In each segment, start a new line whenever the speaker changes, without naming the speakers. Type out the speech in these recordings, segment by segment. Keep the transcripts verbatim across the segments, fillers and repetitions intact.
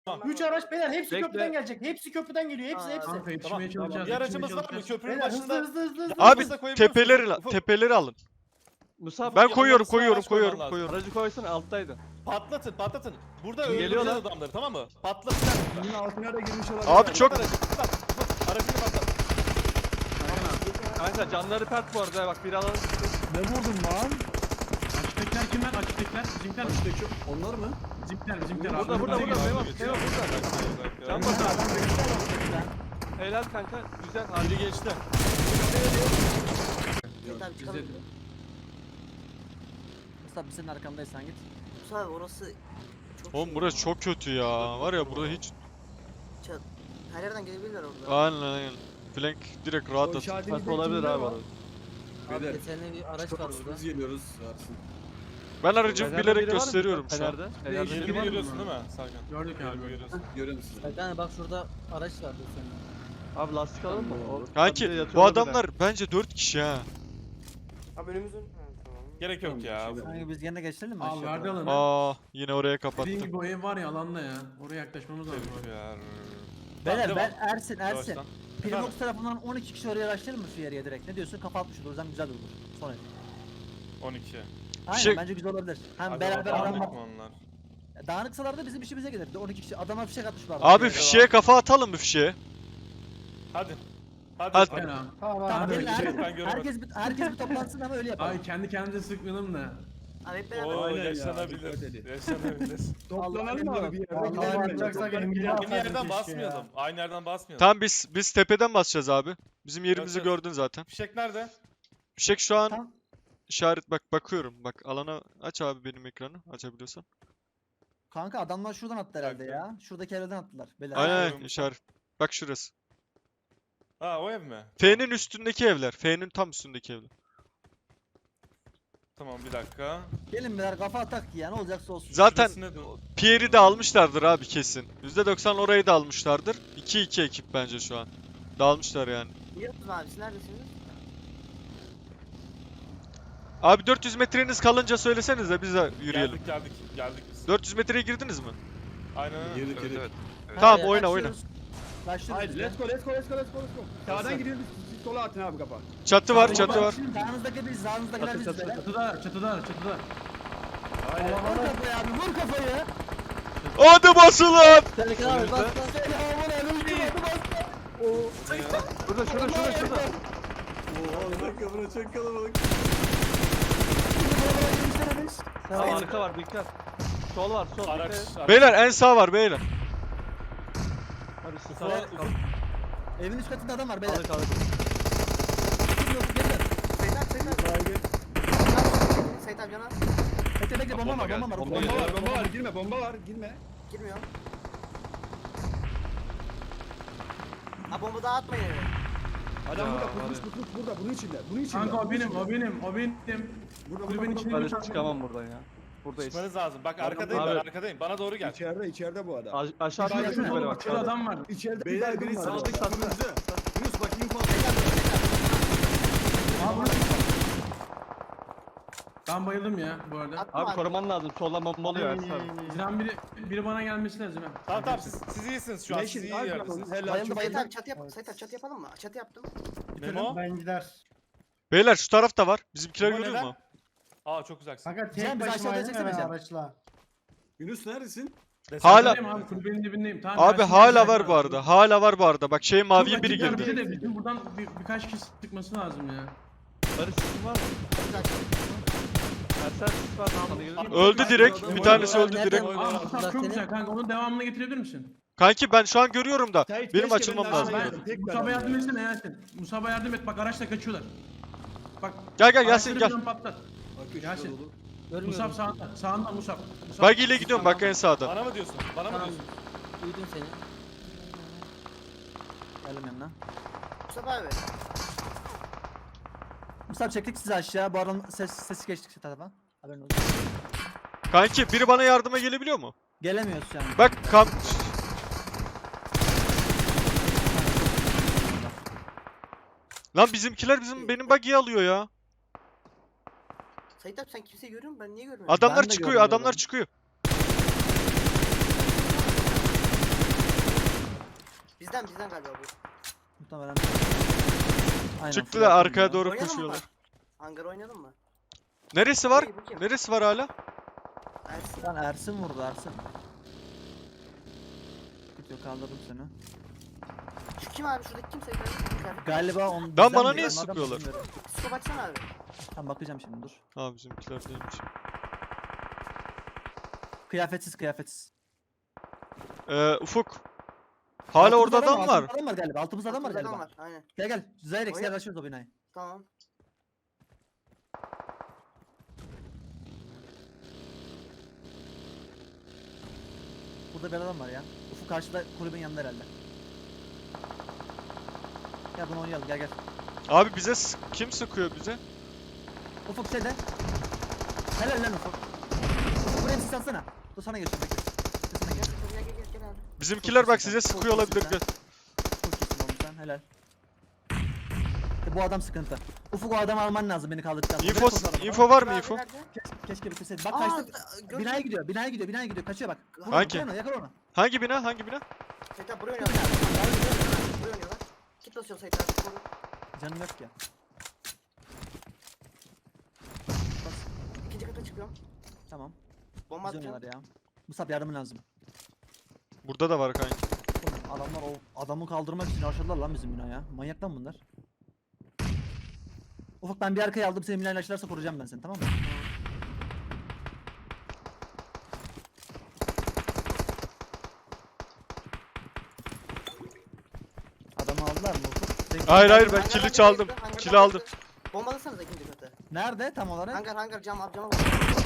üç araç beyler hepsi
Bekle.
köprüden gelecek. Hepsi köprüden geliyor. Hepsi
Aa,
hepsi.
Kanka yetişmeye
Tamam,
çalışacağız.
Bir aracımız
yetişmeye
var mı?
çalışacağız.
Köprünün
Beyler hızlı
başında.
hızlı hızlı hızlı.
Abi
Hızlı koyabiliyor musun?
tepeleri
Ufuk.
tepeleri alın.
Musab
Ben
yanlarına
koyuyorum
sıra
koyuyorum
araç koyman
koyuyorum
lazım.
koyuyorum.
aracı koysan alttaydın.
Patlatın patlatın. Burada
Geliyor
öldüreceğiz
lan.
adamları tamam mı? Patlatın.
Bunun altına da girmiş olabilir.
Abi çok
Aracı, Ufuk, Ufuk, aracını patlat.
Kanka canları pert bu arada bak bir alalım.
Ne vurdun lan?
Açıktakiler kimler? Açıktakiler. Bizimkiler.
Baştaki onlar mı?
Bizimkiler. Bizimkiler.
Burada
Abi,
burada
bize
burada
geliyor.
Memo. Memo burada. Can bas abi. Helal kanka. Güzel.
Biri
Hadi.
geçti.
Sait abi çıkalım.
Bize-
Mustafa biz senin arkandayız sen git.
Mustafa abi orası çok
Oğlum
şey
burası
ya.
çok kötü ya. Var ya burada hiç.
Çat- Her yerden gelebilirler orada.
Aynen aynen. Flank direkt rahat
O
atın.
işaretimizde
Nasıl olabilir
kimler
abi
var?
orada?
Abi
Beyler.
yeterli bir araç var burada.
Biz geliyoruz. Varsın.
Ben aracımı
Fener'de
bilerek
biri var mı?
gösteriyorum şu an.
Fener'de. Fener'de
Değişik.
biri
Biri
var mı?
görüyorsun değil mi Serkan?
Gördük
Biri
abi.
görüyorsun.
Görüyor musun?
Sait abi bak şurada araç vardı senin.
Abi lastik alalım mı? O-
Kanki
tabii yatıyor
bu
olabilir.
adamlar bence dört kişi ha.
Abi önümüzün. Ha, tamam.
Gerek yok ya.
Tamam,
Kanka biz gene geçelim mi?
Al
aşağıya
verdi
doğru?
alanı.
Aa yine oraya
Dediğin
kapattım.
gibi o ev var ya alanda ya. Oraya yaklaşmamız lazım.
Tebrikler.
Beyler
Tamam,
ben
devam.
Ersin Ersin.
Yavaştan.
Primox tarafından on iki kişi oraya araçlayalım mı şu yere direkt? Ne diyorsun? Kafa atmış olur. O yüzden güzel olur. Sonra.
on iki.
Aynen
Şey-
bence güzel olabilir. Hem
Hadi
beraber
bakalım,
adam var.
dağınık mı onlar?
Dağınıksalar da bizim işimize gelir. Bir de on iki kişi adama fişek atmışlar.
Abi
Devam.
fişeğe kafa atalım mı fişeğe?
Hadi. Hadi.
Hadi.
Aynen abi.
Tamam
Tamam,
abi.
gelin,
şey,
her-
ben göremedim.
herkes bir, herkes bir toplansın ama öyle yapalım.
Ay kendi kendimize sıkmayalım da.
Abi hep beraber.
Oo
Aynen ya,
yaşanabilir.
dikkat edin.
Yaşanabilir.
Toplanalım mı abi bir yerde?
Vallahi
Gidelim mi?
atacaksak elimizde
Aynı
atardık
yerden
keşke ya.
basmayalım. Aynı yerden basmayalım.
Tamam biz biz tepeden basacağız abi. Bizim yerimizi
Evet, evet.
gördün zaten.
Fişek nerede?
Fişek şu an
Tamam.
işaret bak bakıyorum. Bak alana aç abi benim ekranı açabiliyorsan.
Kanka adamlar şuradan attı herhalde
Dakika.
ya. Şuradaki evden attılar. Beyler.
Aynen
Aynen.
aynen işaret. Bak şurası.
Ha o ev mi?
F'nin üstündeki evler. F'nin tam üstündeki evler.
Tamam bir dakika.
Gelin beyler kafa atak ya ne olacaksa olsun.
Zaten
Şurası ne diyor?
Pierre'i de almışlardır abi kesin. yüzde doksan orayı da almışlardır. iki iki ekip bence şu an. Dağılmışlar yani.
Biliyorsunuz abi siz neredesiniz?
Abi dört yüz metreniz kalınca söylesenize biz de yürüyelim.
Geldik geldik. Geldik biz.
dört yüz metreye girdiniz mi?
Aynen öyle.
Girdik girdik.
Tamam,
Hadi,
oyna, oyna.
başlıyoruz. Başlıyoruz
Haydi
biz de.
let's go let's go let's go let's go let's go. Sağdan
Hazır.
gidiyoruz siz sola atın abi kafa.
Çatı var
Tamam,
çatı var.
şimdi Sağınızdaki biz, sağınızdakiler
Çatı,
biz
çatı,
beyler.
Çatıda, çatıda, çatıda.
Vur kafayı abi vur kafayı.
Hadi basılan!
Selam abi bas bas. Selamun aleyküm hadi bas.
Burada şurada şurada şurada.
Oo bir dakika bura çok kalabalık.
Tamam arka var dikkat. Sol var sol.
Araç.
dikkat et.
araç.
Beyler en sağ var beyler.
Hadi şu
Sola-
sağa kal.
Evin üst katında adam var beyler.
Kaldı kaldı.
Sait abi Sait abi. Sait abi cana.
Bekle bekle bomba var bomba var.
Bomba
Bomba
geliyor.
var bomba var girme bomba var girme.
Girmiyor. Ha bomba daha atmayın eve.
Adam
Ya,
burada
var
pusmuş
ya.
pusmuş burada bunun içinde bunun içinde.
Kanka o
bunun
benim,
içinde.
o benim, o benim.
Burada
Kulübenin
burada
içinde
burada.
bir
Hadi çıkamam buradan ya. Buradayız.
Çıkmanız lazım. Bak
Adam-
arkadayım
Abi.
ben arkadayım. Bana doğru gel.
İçeride içeride bu adam.
A- aşağı
Şurada
atlayın
şurada
böyle
Bak
bak.
şurada adam var.
İçeride
Beyler
bir
biri
baygın var.
sağdaki kırmızı. Yunus bak info.
Ben bayıldım ya bu arada.
Atma
Abi koruman lazım. Soldan bomba oluyor Ersin abi.
Can biri, biri bana gelmesi lazım ha.
Tamam tamam siz, siz iyisiniz şu an. Siz
Yeşil
iyi
al
yerdesiniz.
bakalım. Helal
Bayıldı,
çok
bayıldı.
Sait
iyi.
abi çatı yap. Sait abi çatı yapalım mı? Çatı yaptım.
Memo.
Ben gider.
Beyler şu tarafta var. Bizimkiler
Memo
görüyor
neden?
mu?
Aa çok uzaksın.
Kanka
Cem,
tek
biz
başıma
aşağıda
aynen
çeksene Cem.
araçla.
Yunus neredesin?
Desen-
Hala-
Kulübedeyim abi, kulübenin dibindeyim. Tamam,
Abi
Yasin
hala
geldi.
var bu arada. Hala var bu arada. Bak şey
Çok
maviye biri
açıklar
girdi.
bize de bizim buradan bir, birkaç kişi sıkması lazım ya.
Barış sesin var mı? Ersen sis var. Sana gelir mi?
Öldü direkt. Bir tanesi öldü
Nereden
direkt.
vurdun?
Aa
Bunlar
Musab çok
seni-
güzel kanka onun devamını getirebilir misin?
Kanki ben şu an görüyorum da.
Sait,
Benim
keşke
açılmam
ben de
lazım.
alsaydım.
Ben,
tek
Musab'a
ben
yardım
ya.
etsene Yasin. Musab'a yardım et bak araçla kaçıyorlar. Bak.
Gel gel Yasin
araçları
gel.
falan Patlat.
Bakıyor
Yasin.
şurada dolu.
Musab
Görmüyorum.
sağında. Sağında Musab. Musab.
Buggy ile gidiyorum bak en sağda.
Bana mı diyorsun? Bana mı
Tamam.
diyorsun?
Duydum seni. Geldim yanına.
Mustafa abi.
Mustafa çektik sizi aşağı. Bu aranın ses, sesi geçtik şu tarafa. Haberin olsun.
Kanki biri bana yardıma gelebiliyor mu?
Gelemiyoruz şu an.
Bak kam... Lan bizimkiler bizim benim buggy'yi alıyor ya.
Sait abi sen kimseyi görüyor musun? Ben niye görmüyorum?
Adamlar
Ben de
çıkıyor,
görmüyorum.
adamlar çıkıyor.
Bizden bizden galiba bu.
Muhtemelen. Aynen.
Çıktı
full
da
yaptım
arkaya
ya.
doğru
Oynayalım mı?
koşuyorlar.
Hangar oynayalım mı?
Neresi var?
Hey, bu kim?
Neresi var hala?
Ersin.
Lan Ersin vurdu Ersin. Gidiyor kaldırdım seni.
Şu kim abi? Şuradaki kim Sait abi?
Galiba on.
Lan
bizden
bana
biri,
niye
onlardan
sıkıyorlar?
bilmiyorum.
Psiko baksana abi.
Tamam bakacağım şimdi dur.
Ha bizimkiler değilmiş.
Kıyafetsiz kıyafetsiz.
Ee, Ufuk. Hala
Altımızda
orada adam var.
Altımızda adam var galiba. Altımızda adam var
Altımızda
galiba.
Adam var. Aynen.
Gel gel. Zyrex
Oyna.
gel açıyoruz o binayı.
Tamam.
Burada bir adam var ya. Ufuk karşıda kulübün yanında herhalde. Gel bunu oynayalım gel gel.
Abi bize s- kim sıkıyor bize?
Ufuk şeyde. Helal lan Ufuk. Ufuk buraya sis atsana. Dur sana geçiyorum bekle. Dur sana geç.
Gel gel gel gel abi.
Bizimkiler bak size
Çok
sıkıyor
iyisin
olabilir.
sen.
Gel.
Çok iyisin oğlum sen helal. İşte bu adam sıkıntı. Ufuk o adamı alman lazım beni kaldırdıktan sonra.
Info,
Direkt o adamı.
info var mı
Abi
info?
nerede?
Keşke, keşke bitirseydim. Bak
Aa,
kaçtı.
gördüm.
Binaya gidiyor, binaya gidiyor, binaya gidiyor. Kaçıyor bak. Vur
Hangi?
onu, yakala onu.
Hangi bina? Hangi bina?
Sait abi buraya oynuyorlar. Buraya oynuyorlar. Kit basıyor Sait abi. Koru.
Canım yok ya.
İkinci kata çıkıyorum.
Tamam.
Bomba
Biz
atacağım.
oynuyorlar ya. Musab yardımın lazım.
Burada da var kanki.
Oğlum adamlar o adamı kaldırmak için aşağıdalar lan bizim binaya. Manyak lan bunlar. Ufuk ben bir arkaya aldım seni binayla açılarsa koruyacağım ben seni tamam mı? Adamı aldılar mı Ufuk? Sen-
Hayır hayır ben
Hangar,
kili
hangar
çaldım.
yıktı, hangar
Kili aldım.
yıktı. Bombalasanıza ikinci katı.
Nerede tam olarak?
Hangar hangar cam abi cama bak.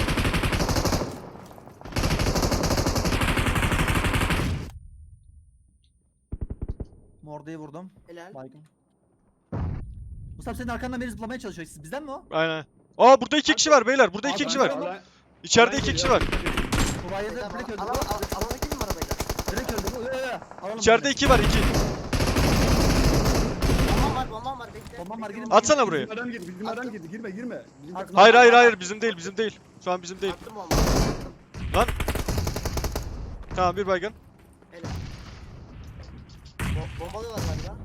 Morde'yi vurdum.
Helal.
Baygın. Musab senin arkandan beni zıplamaya çalışıyor. Siz bizden mi o?
Aynen. Aa burada iki kişi var beyler. Burada iki
Abi,
kişi var.
alan-
İçeride
alan
iki kişi
geliyor.
var.
Bu bayıldı.
Sait abi,
Direkt öldü.
Alana al- alana gidelim mi arabayla?
Direkt öldü. Bu. Yo, yo, yo. Alalım
İçeride
bunu.
iki var iki.
Bombam var bombam var bekle.
Bombam var,
bekle,
girin.
bombam-
Atsana buraya.
Bizim adam girdi, bizim adam girdi. Girme, girme. Bizim
Atma.
takım-
Hayır hayır hayır bizim değil bizim değil. Şu an bizim değil.
Attım bombayı. Attım.
Tamam bir baygın.
Helal. Bo bombalıyorlar galiba.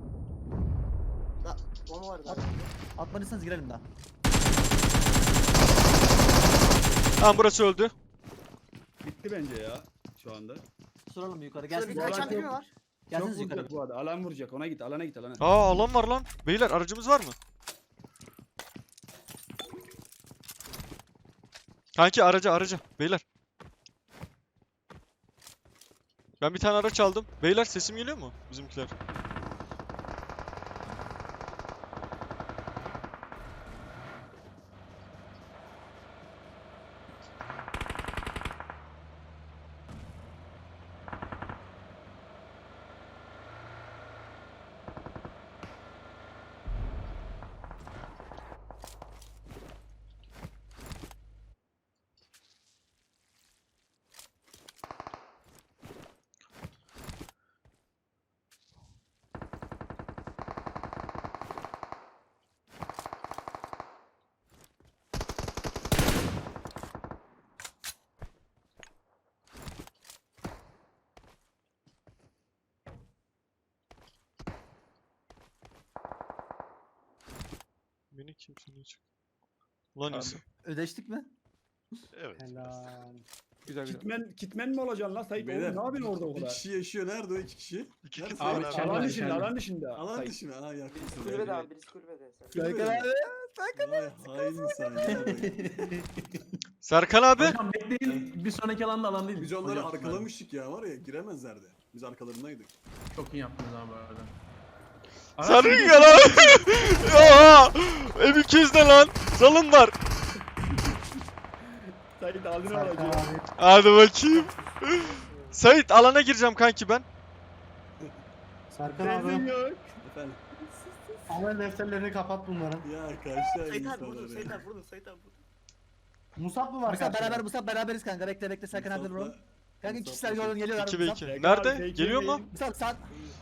Da bomba var galiba.
Atmadıysanız girelim daha.
Tamam burası öldü.
Bitti bence ya şu anda.
Soralım yukarı.
Şurada
Gelsin.
bir kaçan biri mi var?
Çok
Gelsiniz yukarı.
vuracak bu arada. Alan vuracak. Ona git, alana git, alana.
Aa alan var lan. Beyler aracımız var mı? Kanki araca araca. Beyler. Ben bir tane araç aldım. Beyler sesim geliyor mu? Bizimkiler. Beni kimse niye çıktı? Ulan
Abi.
insan.
Ödeştik mi?
Evet.
Helal.
Güzel güzel.
Kitmen, kitmen mi olacaksın lan Sait? Oğlum
Beyler,
ne yapıyorsun orada o
Bir
kadar?
kişi yaşıyor. Nerede o iki kişi?
İki
Nerede?
kişi
Abi,
var
içeride.
Alan
Alan
dışında,
dışında.
alan dışında.
Alan
Sait.
dışı mı? Ha yakın.
Birisi kulübede abi birisi kulübede.
Kulübede mi? Vay hain insan ya.
Serkan abi.
Hocam bekleyin bir sonraki alanda alan değil.
Biz onları
Hocam,
arkalamıştık ya var ya giremezlerdi. Biz arkalarındaydık.
Çok iyi yaptınız abi bu arada.
Sarı ya lan. Oha. M iki yüz ne lan? Zalın var.
Sait aldın
Serkan
aracı.
abi.
Hadi bakayım. Sait alana gireceğim kanki ben.
Serkan
Benzin
abi.
yok.
Efendim.
Amel defterlerini kapat bunların.
Ya kaçta
Sait abi vurdum
insanlar
Sait
ya.
abi vurdum Sait abi vurdum.
Musab mı var
Musab
karşıda?
beraber Musab beraberiz kanka. Bekle bekle Serkan abi
Musab'la-
vuralım. Kanka iki
Musab'la
kişiler gördün geliyorlar.
iki ve
Musab.
iki.
Serkan
Nerede?
abi,
Geliyor mu?
Musab sağ.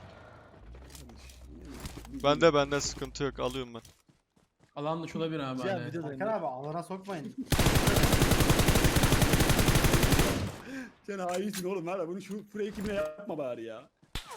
Bende bende sıkıntı yok. Alıyorum ben.
Alan dışı olabilir abi.
Cihan
hani.
videodayım.
Serkan abi alana sokmayın.
Sen hainsin oğlum. Hala bunu şu fake kimle yapma bari ya.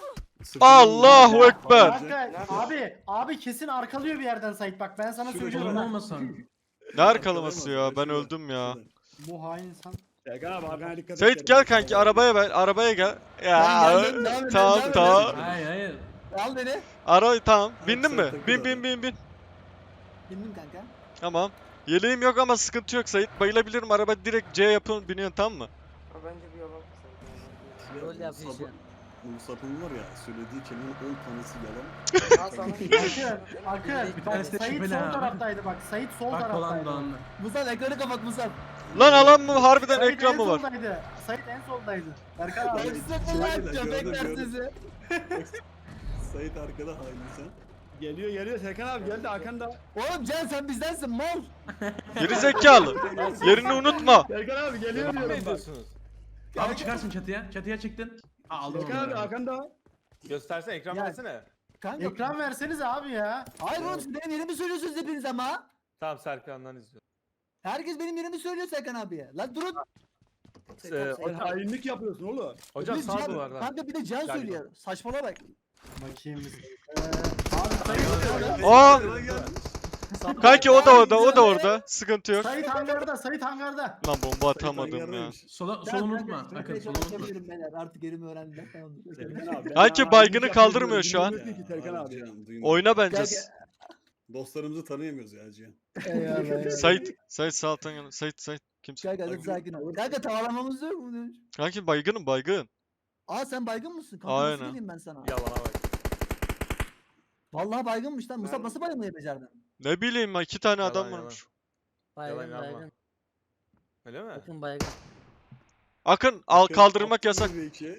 Sırtından
Allahu
vurdu.
Ekber.
Kanka abi abi kesin arkalıyor bir yerden Sait bak ben sana
Şurada
söylüyorum.
Solun
bak.
olmasın.
Ne arkalaması ya? Ben öldüm ya.
Bu hain insan.
Serkan abi arkana dikkat et.
Sait gel kanki arabaya ver. Arabaya gel. Ya
Ben geldim, devam edin,
tamam
devam
tamam.
Hayır hayır.
Al beni.
Ara tamam. Bindin
sen
mi?
takıl
Bin
abi.
bin bin bin.
Bindim kanka.
Tamam. Yeleğim yok ama sıkıntı yok Sait. Bayılabilirim. Araba direkt C yapın biniyorsun tamam mı?
Abi bence bir yola bak.
Ya,
Rol yapıyor
Musab'ın-
şu an.
Musab'ın var ya söylediği kelimenin on tanesi yalan.
Al sana.
Akın Akın.
Bir tanesi de
Sait
şüpheli
sol
ha.
taraftaydı bak. Sait sol
Bak dolan
taraftaydı.
dolanlı.
Musab ekranı kapat Musab.
Lan alan mı? Harbiden
Sait
ekran
en
mı var?
soldaydı. Sait en soldaydı. Berkan
Ben
abi.
size
Şöyle
kolay
de
köpekler
gördüm,
sizi.
Sait arkada hain insan.
Geliyor geliyor Serkan abi geldi arkanda.
Oğlum Can sen bizdensin mal.
Geri zekalı. Yerini unutma.
Serkan abi geliyor
Devam mı
diyorum bak.
ediyorsunuz?
Abi çıkarsın çatıya. Çatıya çıktın. Aa, aldım
Serkan abi
onu.
arkanda.
Göstersene ekran
Ya-
versene.
Kanka.
Ekran verseniz abi ya.
Hayır oğlum siz benim yerimi söylüyorsunuz hepiniz ama.
Tamam Serkan'dan izliyorum.
Herkes benim yerimi söylüyor Serkan abiye. Lan durun.
Ee,
Sen
hocam,
hainlik yapıyorsun oğlum.
hocam
Bir de
sağ
Can-
duvardan.
Kanka bir de Can
Galiba.
söylüyor. Saçmalama bak.
Bakayım. Ee, abi Sait
Aa!
Arkadan gelmiş.
Kanki o da orada, o da orada. Sıkıntı yok.
Sait hangarda, Sait hangarda.
Lan bomba
Sait
atamadım ya.
hangardaymış.
Sola,
Ben-
solu
ben-
unutma.
ben-
Akın
ben-
solu
ben-
unutma.
yapabilirim beyler. Artık yerimi öğrendim. Tamamdır.
Serkan abi. ben
Kanki
hainlik
baygını
yapıyorum,
kaldırmıyor şu an.
dinlemiyor ki Serkan
Abi,
abi.
Cihan, duyma.
Oyna bence.
Kanka-
Dostlarımızı tanıyamıyoruz ya Cihan.
Eyvallah, eyvallah.
Sait, Sait sağ alttan gel. Sait, Sait. Kimsin?
Kanka hadi sakin ol. Kanka tavalamamız yok mu?
Kanki baygınım baygın.
Aa sen baygın mısın? Kanka
Aynen.
nasıl geleyim ben sana?
Yalana bak.
Vallahi baygınmış lan. Musab
Ben-
nasıl bayılmayı becerdin?
Ne bileyim ya iki tane
Yalan,
adam
yalan.
varmış.
Baygın
Yalan yapma.
baygın.
Öyle mi?
Bakın baygın.
Akın al
Bakın,
kaldırmak
attım
yasak.
bir iki.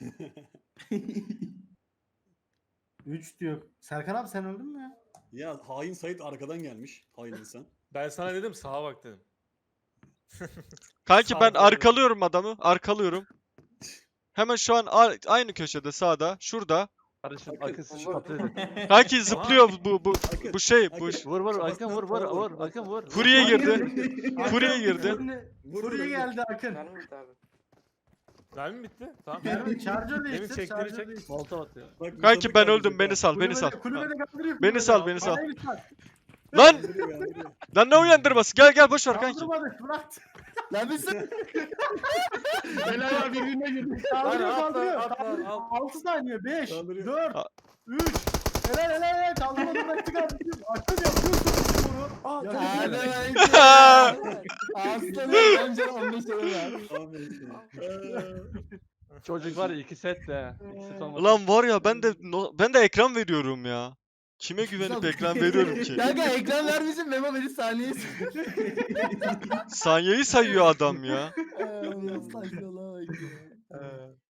üç diyor. Serkan abi sen öldün mü ya?
Ya hain Sait arkadan gelmiş. Hain insan.
Ben sana dedim sağa bak dedim.
Kanki
Sağ
ben
doğru.
arkalıyorum adamı. Arkalıyorum. Hemen şu an a- aynı köşede sağda. Şurada.
Kardeşim
Akın,
akın sıçı patladı.
Kanki zıplıyor bu bu
Akın,
bu şey bu.
Akın.
Vur vur
Kafasına
Akın vur vur
tava
vur
vur.
Akın vur.
Furiye girdi. Furiye girdi.
Vur,
Furiye
vur,
geldi Akın.
Mermi bitti abi.
Mermi mi bitti? Tamam.
Mermi charger
Demin
değiştir,
çektiğini
charger
çek.
değiştir.
Molotov atıyor.
Bak,
Kanki
Musab'ı
ben
kaldıracak
öldüm beni
ha.
sal beni sal.
Kulübede, kulübede kaldırıyor.
Beni
kulübede.
sal, beni sal.
Bana bir sal.
Lan
Kaldırıyor, kaldırıyor.
lan ne uyandırması? Gel gel boş ver kanki.
Kaldırmadık bırak.
Lan biz sen.
Helal abi birbirine girdi.
Kaldırıyor
Atla,
kaldırıyor.
atla, al.
altı saniye. beş,
Kaldırıyor.
dört,
A-
üç. Helal helal helal. Kaldırmadı bıraktık abi. Akın yapıyorsun bunu.
Aa
Ya,
tamam.
Hadi Aslanım önce on beş lira ver.
Aferin sana.
Çocuk var ya iki set de. İki set olmadı.
Ulan var ya ben de no- ben de ekran veriyorum ya. Kime güvenip ekran veriyorum ki?
Kanka ekran vermişim Memo beni saniye.
Saniyeyi sayıyor adam ya.
Allah'ım saçmalama bak ya.